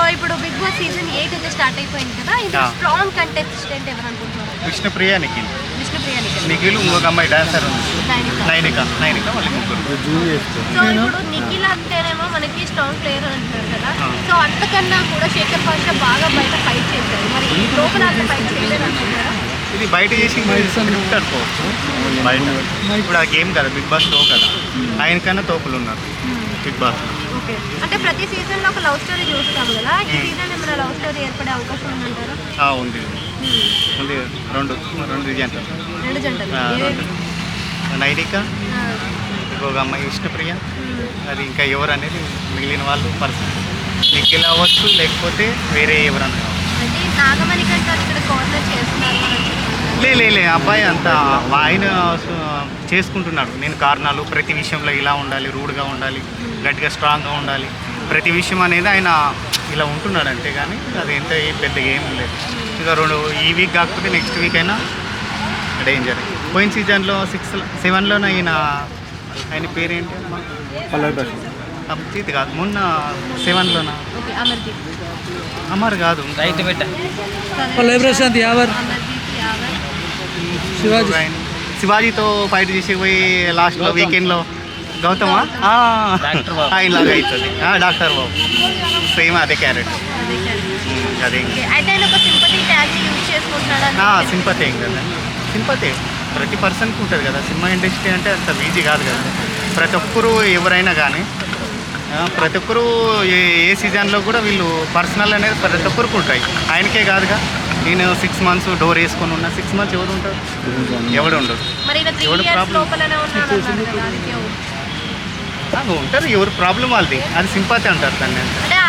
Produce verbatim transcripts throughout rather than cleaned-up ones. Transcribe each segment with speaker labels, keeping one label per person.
Speaker 1: ఇప్పుడు big boss season eight అయితే start అయిపోయింది కదా, ఇది స్ట్రాంగ్ కంటెస్టెంట్ ఎవరు అనుకుంటున్నారు?
Speaker 2: విష్ణుప్రియ, నిఖిల్.
Speaker 1: విష్ణుప్రియ,
Speaker 2: నిఖిల్, ఇంకొక అమ్మాయి డాన్సర్ ఉంది, నైనిక. నైనిక వాళ్ళు ముగ్గురు.
Speaker 1: సో ఇప్పుడు నిఖిల్ అంటేనేమో మనకి స్ట్రాంగ్ ప్లేయర్ అంటున్నారు కదా, సో అంతకన్నా కూడా శేఖర్ భాష బాగా బయట ఫైట్ చేశారు, మరి లోపల అంత ఫైట్ చేయలేదు అనుకుంటారా?
Speaker 2: ఇది బయట చేసి స్క్రిప్ట్ అనుకోవచ్చు. బయట ఇప్పుడు ఆ గేమ్ కదా, బిగ్ బాస్ షో కదా, ఆయన కన్నా తోపులు ఉన్నారు బిగ్ బాస్.
Speaker 1: ఓకే, అంటే ప్రతి సీజన్ లో ఒక లవ్ స్టోరీ చూస్తాం కదా, ఈ సీజన్ ఏమైనా లవ్ స్టోరీ ఏర్పడే అవకాశం ఉందంటారా?
Speaker 2: ఉంది ఉంది రెండు రెండు జంటలు
Speaker 1: రెండు జంటలు
Speaker 2: నైనిక, ఇంకొక అమ్మాయి విష్ణుప్రియ. అది ఇంకా ఎవరు అనేది మిగిలిన వాళ్ళు పర్సన్ నిఖిల్ అవ్వచ్చు, లేకపోతే వేరే ఎవరన్నా కావచ్చు.
Speaker 1: అంటే నాగమణి కంటే ఇక్కడ కార్నర్ చేస్తున్నారు అని చెప్తున్నారు.
Speaker 2: లే లే లే అబ్బాయి అంతా ఆయన చేసుకుంటున్నాడు. నేను కారణాలు ప్రతి విషయంలో ఇలా ఉండాలి, రూడ్గా ఉండాలి, గట్టిగా స్ట్రాంగ్గా ఉండాలి, ప్రతి విషయం అనేది ఆయన ఇలా ఉంటున్నాడు అంతే. కానీ అది ఎంత పెద్దగా ఏం లేదు. ఇక రెండు ఈ వీక్ కాకపోతే నెక్స్ట్ వీక్ అయినా డేంజర్. పోయిన సీజన్లో సిక్స్ సెవెన్లోనే ఆయన ఆయన పేరేంటి అమ్మా? అభిజిత్ కాదు, మొన్న సెవెన్లోనా అమర్ కాదు,
Speaker 3: రైతు బిడ్డ
Speaker 4: ప్రశాంత్ యావర్, శివాజీ
Speaker 2: శివాజీతో ఫైట్ చేసి పోయి లాస్ట్లో వీకెండ్లో గౌతమా ఆయనలాగా అవుతుంది. డాక్టర్ బాబు సేమ్ అదే క్యారెక్టర్. అదే సింపతి ఏం కదా, సింపతి ప్రతి పర్సన్కి ఉంటుంది కదా. సినిమా ఇండస్ట్రీ అంటే అంత ఈజీ కాదు కదా. ప్రతి ఒక్కరు ఎవరైనా కానీ ప్రతి ఒక్కరు ఏ ఏ సీజన్లో కూడా వీళ్ళు పర్సనల్ అనేది ప్రతి ఒక్కరికి ఉంటాయి. ఆయనకే కాదుగా. నేను సిక్స్ మంత్స్ డోర్ వేసుకొని ఉన్నా, సిక్స్ మంత్స్ ఎవరు ఉంటారు? ఎవడు ఉండదు. ఎవడు ప్రాబ్లం ఉంటారు, ఎవరు ప్రాబ్లం వాళ్ళది. అది సింపతి అంటారు దాన్ని.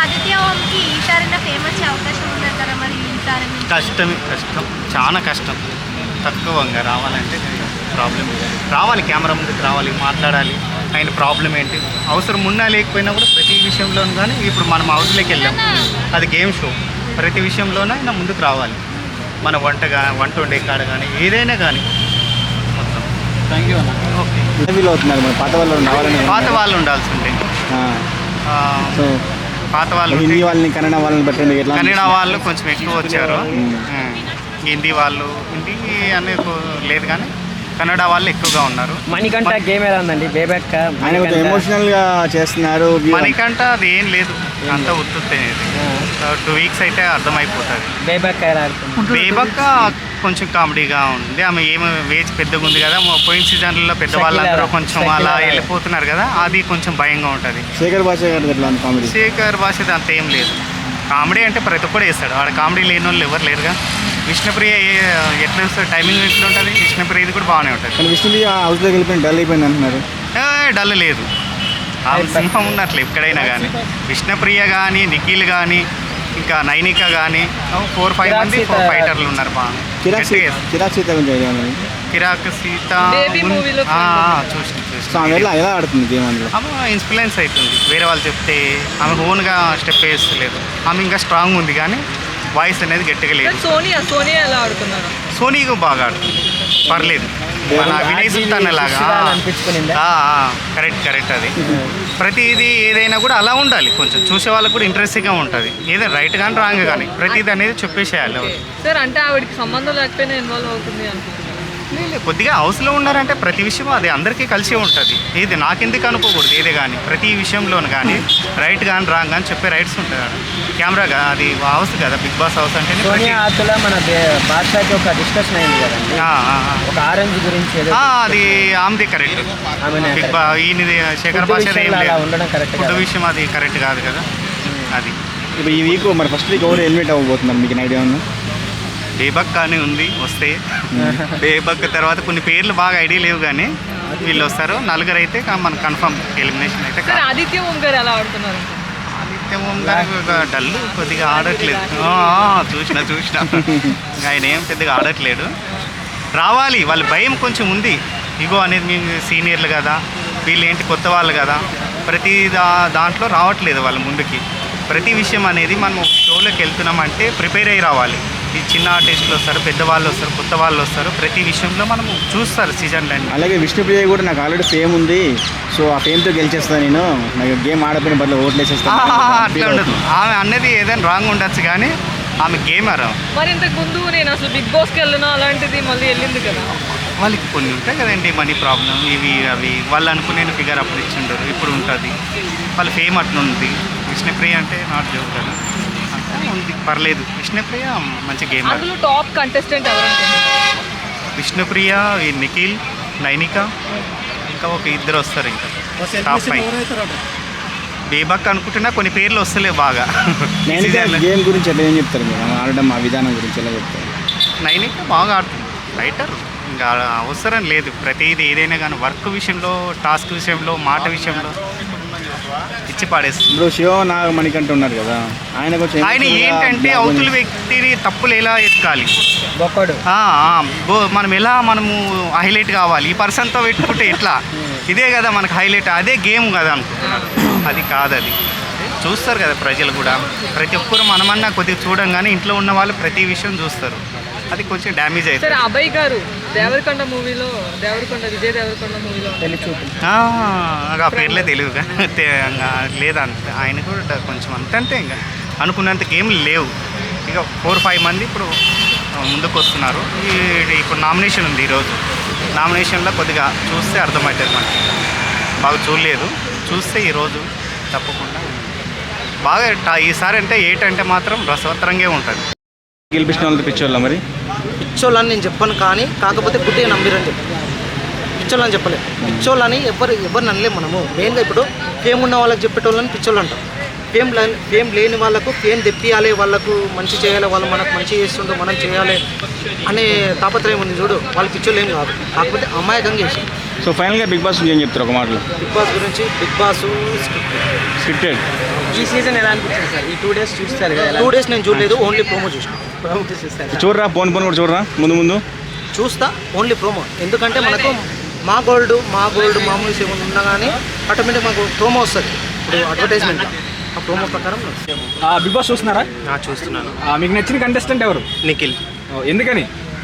Speaker 2: కష్టమే, కష్టం, చాలా కష్టం. తక్కువగా రావాలంటే ప్రాబ్లం. రావాలి, కెమెరా ముందుకు రావాలి, మాట్లాడాలి. ఆయన ప్రాబ్లం ఏంటి, అవసరం ఉన్నా లేకపోయినా కూడా ప్రతి విషయంలోనూ. కానీ ఇప్పుడు మనం హౌస్లోకి వెళ్ళాం, అది గేమ్ షో. ప్రతి విషయంలోనూ ఆయన ముందుకు రావాలి. మన వంట కానీ వంట వండే కాడ కానీ ఏదైనా కానీ మొత్తం.
Speaker 4: థ్యాంక్ యూ అన్న.
Speaker 2: ఓకే,
Speaker 4: పాత వాళ్ళు
Speaker 2: పాత వాళ్ళు ఉండాల్సి ఉంటే పాత వాళ్ళు
Speaker 4: హిందీ వాళ్ళని కన్నడ వాళ్ళని బట్టి
Speaker 2: కన్నడ వాళ్ళు కొంచెం ఎక్కువ వచ్చారు. హిందీ వాళ్ళు హిందీ అనేది లేదు కానీ కన్నడ వాళ్ళు ఎక్కువగా ఉన్నారు.
Speaker 3: మణికంఠ గేమ్ ఎలా ఉందండి? బేబెక్క
Speaker 4: ఎమోషనల్ గా చేస్తున్నారు.
Speaker 2: మణికంఠ అది ఏం లేదు, అంతా ఉత్తుతే. టూ వీక్స్ అయితే అర్థమైపోతుంది.
Speaker 3: బేబెక్క ఎలా ఆడుతుంది?
Speaker 2: బేబెక్క కొంచెం కామెడీగా ఉంది. ఆమె ఏమో వేజ్ పెద్దగా ఉంది కదా. పోయిన సీజన్లలో పెద్దవాళ్ళందరూ కొంచెం అలా వెళ్ళిపోతున్నారు కదా, అది కొంచెం భయంగా ఉంటుంది.
Speaker 4: శేఖర్ భాష కామెడీ
Speaker 2: శేఖర్ భాష అంత ఏం లేదు. కామెడీ అంటే ప్రతి ఒక్కరు వేస్తాడు. ఆడ కామెడీ లేని వాళ్ళు ఎవరు లేరుగా. విష్ణుప్రియ ఎట్లా వస్తుంది, టైమింగ్ ఎట్లా ఉంటుంది? విష్ణుప్రియ ఇది కూడా బాగానే ఉంటుంది.
Speaker 4: విష్ణుప్రియ హౌస్లోకి వెళ్ళిపోయింది, డల్ అయిపోయింది అంటున్నారు.
Speaker 2: డల్ లేదు, ఆమె సింహం ఉన్నట్లు ఎక్కడైనా కానీ. విష్ణుప్రియ కానీ, నిఖిల్ కానీ, ఇంకా నైనిక కానీ ఫోర్ ఫైవ్ మంది ఫోర్ ఫైటర్లు ఉన్నారు బాగా.
Speaker 4: కిరాక్ సీత
Speaker 2: కిరాక్ సీత చూసి చూసి
Speaker 4: ఎలా ఆడుతుంది గేమ్? అందులో
Speaker 2: ఆమె ఇన్ఫ్లుయెన్స్ అవుతుంది. వేరే వాళ్ళు చెప్తే ఆమె ఓన్గా స్టెప్ వేస్తలేదు. ఆమె ఇంకా స్ట్రాంగ్ ఉంది కానీ వాయిస్ అనేది గట్టిగా లేదు.
Speaker 5: సోనియా సోనియా ఎలా ఆడుతున్నారు?
Speaker 2: సోనీగా బాగా ఆడుతుంది, పర్లేదు. మన వినయ్ సుల్తాన్ లాగా కరెక్ట్ కరెక్ట్ అది. ప్రతిదీ ఏదైనా కూడా అలా ఉండాలి, కొంచెం చూసే వాళ్ళకి కూడా ఇంట్రెస్టింగ్గా ఉంటుంది. ఏదైనా రైట్ కానీ రాంగ్ కానీ ప్రతిదీ అనేది చెప్పేసేయాలి.
Speaker 5: సార్ అంటే ఆవిడకి సంబంధం లేకపోయినా ఇన్వాల్వ్ అవుతుంది అనుకుంటున్నాను.
Speaker 2: లేదు, కొద్దిగా హౌస్లో ఉన్నారంటే ప్రతి విషయం అది అందరికీ కలిసి ఉంటుంది. ఏది నాకెందుకు అనుకోకూడదు, ఏదే కానీ ప్రతి విషయంలోనూ కానీ రైట్ కానీ రాంగ్ కానీ చెప్పే రైట్స్ ఉంటుంది. కెమెరాగా అది హౌస్ కదా, బిగ్ బాస్ హౌస్ అంటే.
Speaker 3: మన బాద్షాకి ఒక డిస్కషన్ అయింది కదండి, ఒక ఆరెంజ్ గురించి.
Speaker 2: అది ఆమెది కరెక్ట్. బిగ్ బా ఈయనది శేఖర్ భాష ఏం లేదు. ఫుడ్ విషయం అది కరెక్ట్ కాదు కదా. అది
Speaker 4: ఇప్పుడు ఈ వీక్ మరి ఫస్ట్ వీక్ ఎవరు ఎలిమినేట్ అవ్వబోతున్నారు, మీకు ఐడియా ఉందా?
Speaker 2: బేబక్ కానీ ఉంది వస్తే. బేబక్ తర్వాత కొన్ని పేర్లు బాగా ఐడియా లేవు కానీ వీళ్ళు వస్తారు. నలుగురు అయితే మన కన్ఫర్మ్ ఎలిమినేషన్ అయితే.
Speaker 5: ఆదిత్య ఓం గారు ఎలా ఆడుతున్నారు?
Speaker 2: ఆదిత్య ఓం గారు డల్, కొద్దిగా ఆడట్లేదు. చూసిన చూసిన ఆయన ఏం పెద్దగా ఆడట్లేడు. రావాలి, వాళ్ళ భయం కొంచెం ఉంది. ఇగో అనేది మేము సీనియర్లు కదా, వీళ్ళు ఏంటి కొత్త వాళ్ళు కదా, ప్రతి దా దాంట్లో రావట్లేదు వాళ్ళ ముందుకి. ప్రతి విషయం అనేది మనం షోలోకి వెళ్తున్నామంటే ప్రిపేర్ అయ్యి రావాలి. ఈ చిన్న ఆర్టిస్టులు వస్తారు, పెద్దవాళ్ళు వస్తారు, కొత్త వాళ్ళు వస్తారు. ప్రతి విషయంలో మనము చూస్తారు సీజన్లన్నీ.
Speaker 4: అలాగే విష్ణుప్రియ కూడా నాకు ఆల్రెడీ ఫేమ్ ఉంది, సో ఆ ఫేమ్తో గెలిచేస్తాను నేను, నాకు గేమ్ ఆడపోయిన బదులు ఓట్లు వేసేస్తాను.
Speaker 2: అట్లా ఉండదు. ఆమె అన్నది ఏదైనా రాంగ్ ఉండొచ్చు కానీ ఆమె గేమర్.
Speaker 5: మరి ఇంతకు ముందు నేను అసలు బిగ్ బాస్కి వెళ్ళినా అలాంటిది మళ్ళీ వెళ్ళింది కదా.
Speaker 2: వాళ్ళకి కొన్ని ఉంటాయి కదండి, మనీ ప్రాబ్లం ఇవి అవి. వాళ్ళు అనుకునే ఫిగర్ అప్పుడు ఇచ్చిండరు, ఇప్పుడు ఉంటుంది. వాళ్ళ ఫేమ్ అట్లా ఉంది. విష్ణుప్రియ అంటే నాట్ జోక్ కదా, అంతా ఉంది, పర్లేదు. విష్ణుప్రియ మంచి గేమర్.
Speaker 5: అందులో టాప్ కంటెస్టెంట్ ఎవరు అనుకుంటున్నారు?
Speaker 2: విష్ణుప్రియ, ఈ నిఖిల్, నైనిక, ఇంకా ఒక ఇద్దరు వస్తారు. ఇంకా టాప్ ఫైవ్. బేబక్ అనుకుంటున్నా కొన్ని పేర్లు వస్తలేవు బాగా.
Speaker 4: నేను గేమ్ గురించి ఎలా ఏం చెప్తారు మీరు, ఆడడం ఆ విధానం గురించి ఎలా చెప్తారు?
Speaker 2: నైనిక బాగా ఆడుతుంది, రైటర్. ఇంకా అవసరం లేదు. ప్రతిదీ ఏదైనా కానీ వర్క్ విషయంలో, టాస్క్ విషయంలో, మాట విషయంలో ఇచ్చి పాడేస్తుంది.
Speaker 4: ఇప్పుడు శివ నాగమణికంట ఉన్నారు కదా, ఆయన కొంచెం
Speaker 2: ఆయన ఏంటంటే అవతల వ్యక్తిని తప్పులు ఎలా ఎత్తుకాలి,
Speaker 3: గొప్పడు.
Speaker 2: ఆ, ఆ, బో- మనం ఎలా మనము హైలైట్ కావాలి, ఈ పర్సన్తో పెట్టుకుంటే ఎట్లా, ఇదే కదా మనకు హైలైట్, అదే గేమ్ కదా అనుకుంటున్నారు. అది కాదు, అది చూస్తారు కదా ప్రజలు కూడా. ప్రతి ఒక్కరు మనమన్నా కొద్దిగా చూడంగానే ఇంట్లో ఉన్న వాళ్ళు ప్రతి విషయం చూస్తారు. అది కొంచెం డ్యామేజ్
Speaker 5: సరే,
Speaker 2: అవుతుంది.
Speaker 5: అభయ్ గారు దేవరకొండ మూవీలో, దేవరకొండ విజయ్ దేవరకొండ మూవీలో
Speaker 3: పెళ్లి చూపు.
Speaker 2: ఆ, నాకు ఆ పేర్లే తెలియదు లేదంత. ఆయన కూడా కొంచెం అంతంతే, ఇంకా అనుకున్నంత గేమ్లు లేవు. ఇక ఫోర్ ఫైవ్ మంది ఇప్పుడు ముందుకు వస్తున్నారు. ఈ ఇప్పుడు నామినేషన్ ఉంది ఈరోజు. నామినేషన్లో కొద్దిగా చూస్తే అర్థమవుతుంది మనకి. బాగా చూడలేదు, చూస్తే ఈరోజు తప్పకుండా బాగా ట- ఈసారి అంటే ఎయిట్ అంటే మాత్రం రసవత్తరంగా ఉంటుంది.
Speaker 4: గెలిపించిన వాళ్ళతో పిచ్చోళ్ళ మరి
Speaker 6: పిచ్చోళ్ళని నేను చెప్పను, కానీ కాకపోతే గుడ్డిగా నమ్మిరని చెప్పాను. పిచ్చోళ్ళని చెప్పలేదు. పిచ్చోళ్ళని ఎవరు ఎవరు నమ్మలేము మనము. మెయిన్గా ఇప్పుడు ఫేమ్ ఉన్న వాళ్ళకి చెప్పేటోళ్ళని పిచ్చోళ్ళు అంటాం. ఫేమ్ లే ఫేమ్ లేని వాళ్ళకు ఫేమ్ తెప్పియాలి, వాళ్ళకు మంచి చేయాలి, వాళ్ళు మనకు మంచి చేస్తుండ్రు, మనం చేయాలి అనే తాపత్రయం ఉంది చూడు. వాళ్ళు పిచ్చోళ్ళు ఏం కాదు, కాకపోతే అమాయకంగా చేసి.
Speaker 4: సో ఫైనల్గా బిగ్ బాస్ ఏం చెప్తారు ఒక మాటలో?
Speaker 6: బిగ్ బాస్ గురించి, బిగ్ బాస్
Speaker 4: స్క్రిప్టెడ్.
Speaker 3: ఈ సీజన్ ఎలా అనిపించింది సార్? ఈ టూ డేస్ చూస్తారు కదా, ఎలా?
Speaker 6: టూ డేస్ నేను చూడలేదు, ఓన్లీ ప్రోమో చూసాను. ప్రోమో చూస్తాను,
Speaker 4: చూడరా, పోన్ పోన్ కూడా చూడరా ముందు ముందు
Speaker 6: చూస్తా ఓన్లీ ప్రోమో. ఎందుకంటే మనకు మా గోల్డ్ మా గోల్డ్ మా మూవీస్ ఏమైనా ఉన్నా కానీ ఆటోమేటిక్ మాకు ప్రోమో వస్తుంది. ఇప్పుడు అడ్వర్టైజ్మెంట్ ఆ ప్రోమో ప్రకారం
Speaker 7: బిగ్ బాస్ చూస్తున్నారా?
Speaker 6: చూస్తున్నాను.
Speaker 7: ఆ, మీకు నచ్చిన కంటెస్టెంట్ ఎవరు?
Speaker 6: నిఖిల్
Speaker 7: ఓ, ఎందుకని?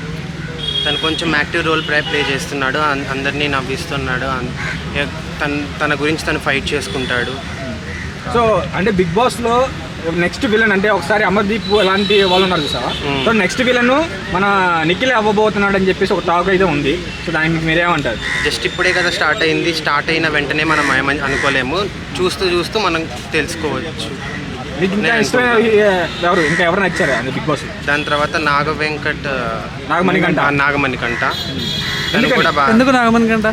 Speaker 6: తను కొంచెం యాక్టివ్ రోల్ ప్లే ప్లే చేస్తున్నాడు, అన్- అందరినీ నవ్విస్తున్నాడు, అన్- ఏ- తన తన గురించి తను ఫైట్ చేసుకుంటాడు.
Speaker 7: సో అంటే బిగ్ బాస్లో నెక్స్ట్ విలన్ అంటే ఒకసారి అమర్దీప్ అలాంటి వాళ్ళు ఉన్నారు చూసావా? సో నెక్స్ట్ విలన్ మన నిఖిల్ అవ్వబోతున్నాడు అని చెప్పేసి ఒక టాక్ అయితే ఉంది. సో దానికి మీరేమంటారు?
Speaker 6: జస్ట్ ఇప్పుడే కదా స్టార్ట్ అయింది, స్టార్ట్ అయిన వెంటనే మనం ఏమని అనుకోలేము. చూస్తూ చూస్తూ మనం తెలుసుకోవచ్చు.
Speaker 7: మీకు ఇంకా
Speaker 6: నేను
Speaker 7: ఇష్టమైన ఎవరు, ఇంకా ఎవరు నచ్చారా బిగ్ బాస్?
Speaker 6: దాని తర్వాత నాగ వెంకట్
Speaker 7: నాగమణికంట.
Speaker 6: ఆ, నాగమణికంట తను
Speaker 7: ఎందుకని?
Speaker 6: కూడా బాగా,
Speaker 5: ఎందుకు నాగమణికంట?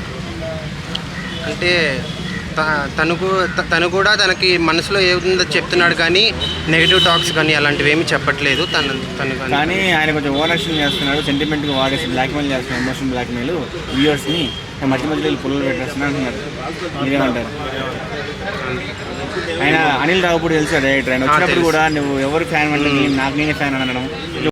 Speaker 6: అంటే త- తనకు త- తను కూడా తనకి మనసులో ఏముందో చెప్తున్నాడు, కానీ నెగిటివ్ టాక్స్ కానీ అలాంటివి ఏమీ చెప్పట్లేదు తను తను కానీ.
Speaker 4: కానీ ఆయన కొంచెం ఓవర్ యాక్షన్ చేస్తున్నాడు, సెంటిమెంట్గా వాడేసి బ్లాక్మెయిల్ చేస్తున్నాడు, ఎమోషనల్ బ్లాక్మెయిల్ వ్యూవర్స్ని మధ్య మధ్యలో పుల్లలు పెట్టేస్తున్నారు అంటున్నారు. మీరేమంటారు? ఆయన అనిల్ రావుపూడి తెలుసు డైరెక్టర్, ఆయన వచ్చినప్పుడు కూడా నువ్వు ఎవరు ఫ్యాన్ అంటే నాకు నేనే ఫ్యాన్ అనడం